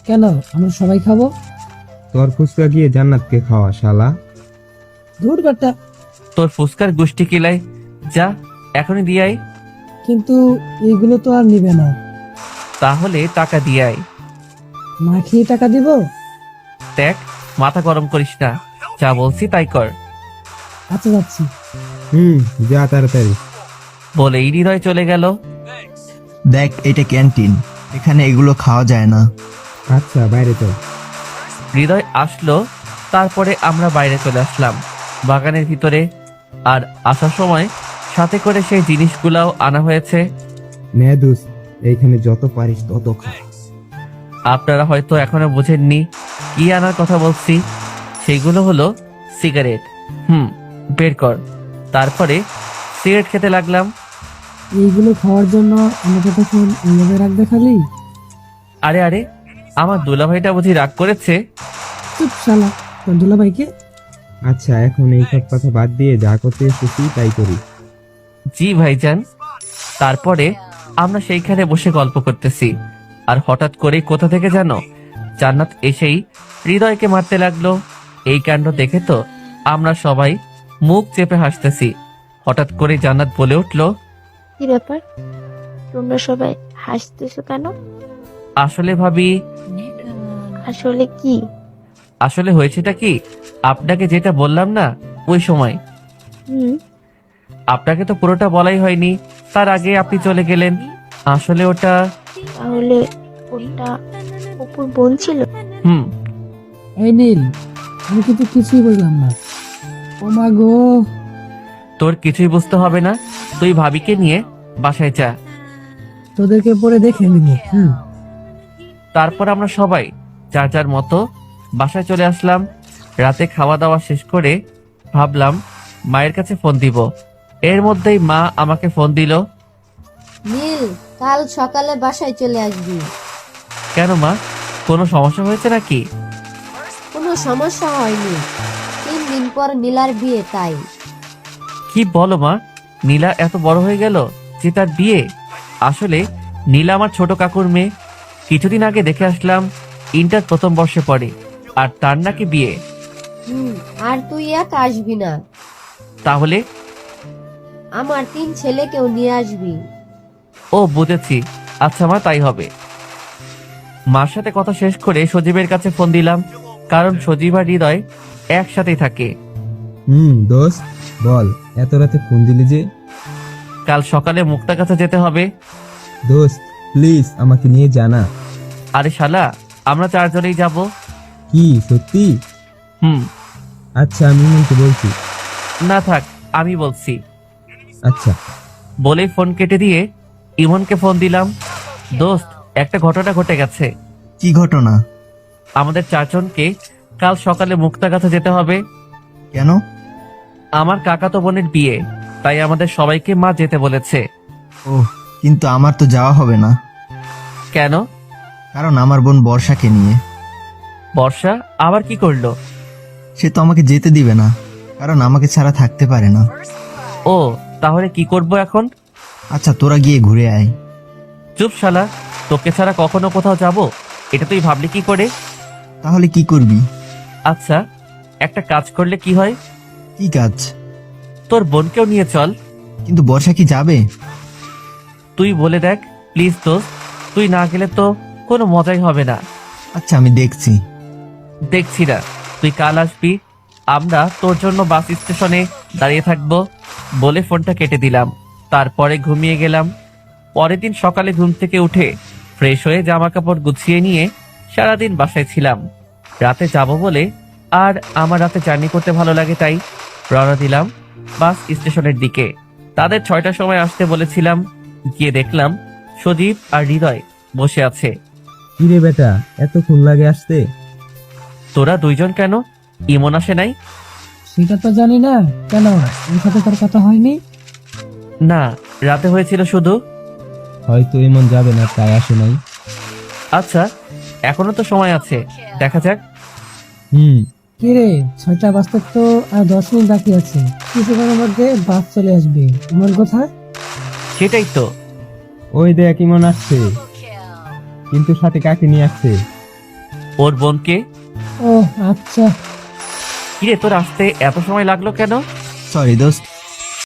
কেন, আমরা সবাই খাবো? তোর ফুচকা গিয়ে জান্নাতকে খাওয়া শালা। দূর বেটা। তোর ফুসকার গোষ্ঠী কিলাই, যা এখনই দিয়ে আয়। কিন্তু এগুলো তো আর নিবে না। তাহলে টাকা দিয়ে আয়। না খেয়ে টাকা দিব? দেখ, মাথা গরম করিস না, যা বলছি তাই কর। আচ্ছা যাচ্ছি। যা তাড়াতাড়ি। বলেই হৃদয় চলে গেল। দেখ, এটা ক্যান্টিন, এখানে এগুলো খাওয়া যায় না। আচ্ছা বাইরে তো। হৃদয় আসলো, তারপরে আমরা বাইরে চলে আসলাম বাগানের ভিতরে। আর আসার সময় সাথে করে সেই জিনিসগুলাও আনা হয়েছে। নে দোস্ত, এইখানে যত পারিস তত খা। আপনারা হয়তো এখনো বুঝেননি কি আনার কথা বলছি। সেইগুলো হলো সিগারেট। বের কর। তারপরে সিগারেট খেতে লাগলাম। এইগুলো খাওয়ার জন্য আমাকে তখন এইভাবে রাখবে খালি? আরে আরে, আমার দুলাভাইটা বুঝি রাগ করেছে। চুপ শালা, তোর দুলাভাইকে? আচ্ছা এখন এই সব কথা বাদ দিয়ে যা করতে এসেছি তাই করি। জি ভাইজান। তারপরে আমরা সেইখানে বসে গল্প করতেছি, আর হঠাৎ করে কোথা থেকে জানো জান্নাত এসেই হৃদয়কে মারতে লাগলো। এই কাণ্ড দেখে তো আমরা সবাই মুখ চেপে হাসতেছি। হঠাৎ করে জান্নাত বলে উঠলো, কি ব্যাপার, তোমরা সবাই হাসতেছো কেন? আসলে ভাবি, আসলে কি? আসলে হয়েছেটা কি, আপনাকে যেটা বললাম না ওই সময়, হুম। আপনাকে তো পুরোটা বলাই হয়নি, তার আগে আপনি চলে গেলেন। আসলে ওটা তাহলে ওটা অপুর বোন ছিল? হুম এই নীল, আমি কিন্তু কিছুই বুঝলাম না। ও মা গো। তোর কিছুই বুঝতে হবে না, তুই ভাবিকে নিয়ে বাসায় যা। তোদেরকে পরে দেখে নিব। তারপর আমরা সবাই যার যার মতো বাসায় চলে আসলাম। রাতে খাওয়া দাওয়া শেষ করে ভাবলাম মায়ের কাছে ফোন দিব। এর মধ্যেই মা আমাকে ফোন দিল। নীল, কাল সকালে বাসায় চলে আসবি। কেন মা, কোনো সমস্যা হয়েছে নাকি? কোনো সমস্যা হয়নি, 3 দিন পর নীলার বিয়ে, তাই। কি বলো মা, নীলা এত বড় হয়ে গেল যে তার বিয়ে? আসলে নীলা আমার ছোট কাকুর মেয়ে। কিছুদিন আগে দেখে আসলাম, ইন্টার প্রথম বর্ষে পড়ে, আর তার নাকি বিয়ে। আর তুই এক আসবি না, তাহলে? আমার 3 ছেলেকেও নিয়ে আসবি। ও বুঝেছি, আচ্ছা মা তাই হবে। মার সাথে কথা শেষ করে সজীবের কাছে ফোন দিলাম, কারণ সজীব আর হৃদয় একসাথেই থাকে। দোস্ত বল, এত রাতে ফোন দিলি যে? কাল সকালে মুক্তার কাছে যেতে হবে। দোস্ত প্লিজ আমাকে নিয়ে জানা। আরে শালা, আমরা 4 জনেই যাব। কি সত্যি? হুম। আচ্ছা আমি ইমনকে বলছি। না থাক, আমি বলছি। আচ্ছা। বলেই ফোন কেটে দিয়ে ইমনকে ফোন দিলাম। দোস্ত, একটা ঘটনা ঘটে গেছে। কি ঘটনা? আমাদের 4 জনকে কাল সকালে মুক্তার কাছে যেতে হবে। কেন? আমার কাকাতো বোনের বিয়ে, তাই আমাদের সবাইকে মা যেতে বলেছে। ও, কিন্তু আমার তো যাওয়া হবে না, কেন? কারণ আমার বোন বর্ষাকে নিয়ে। বর্ষা আবার কি করলো? সে তো আমাকে যেতে দিবে না, কারণ আমাকে ছাড়া থাকতে পারে না। ও, তাহলে কি করব এখন? আচ্ছা তোরা গিয়ে ঘুরে আয়। চুপ শালা, তোকে ছাড়া কখনো কোথাও যাব এটা তুই ভাবলি কি করে? তাহলে কি করবি? আচ্ছা, একটা কাজ করলে কি হয়? কি কাজ? তোর বোনকেও নিয়ে চল। কিন্তু বর্ষা কি যাবে? তুই বলে দেখ প্লিজ দোস্ত, তুই না গেলে তো কোনো মজাই হবে না। আচ্ছা আমি দেখছি। দেখছি না, তুই কাল আসবি, আমরা তোর জন্য বাস স্টেশনে দাঁড়িয়ে থাকবো। বলে ফোনটা কেটে দিলাম। তারপরে ঘুমিয়ে গেলাম। পরের দিন সকালে ঘুম থেকে উঠে ফ্রেশ হয়ে জামা কাপড় গুছিয়ে নিয়ে সারাদিন বাসায় ছিলাম। রাতে যাব বলে, আর আমার রাতে জার্নি করতে ভালো লাগে, তাই রওনা দিলাম বাস স্টেশনের দিকে। তাদের 6টার সময় আসতে বলেছিলাম। গিয়ে দেখলাম সজীব আর হৃদয় বসে আছে। কিরে বেটা, এতক্ষণ লাগে আসতে? তোরা 2 জন কেন? ইমন আসে নাই? সেটা তো জানি না। কেন, ওর সাথে তোর কথা হয়নি? না, রাতে হয়েছিল শুধু। হয়তো এমন যাবে না তাই আসে নাই। আচ্ছা, এখনো তো সময় আছে, দেখা যাক। কিরে, 6টা বাজতে তো আর 10 মিনিট বাকি আছে। কিছুক্ষণের মধ্যে বাস চলে আসবে। আমার কথা। সেটাই তো। ওই দেখ ইমন আসছে, কিন্তু সাথে কাকে নিয়ে আসছে? ওর বোনকে। ও আচ্ছা। কিরে তোর আসতে এত সময় লাগলো কেন? সরি দোস্ত,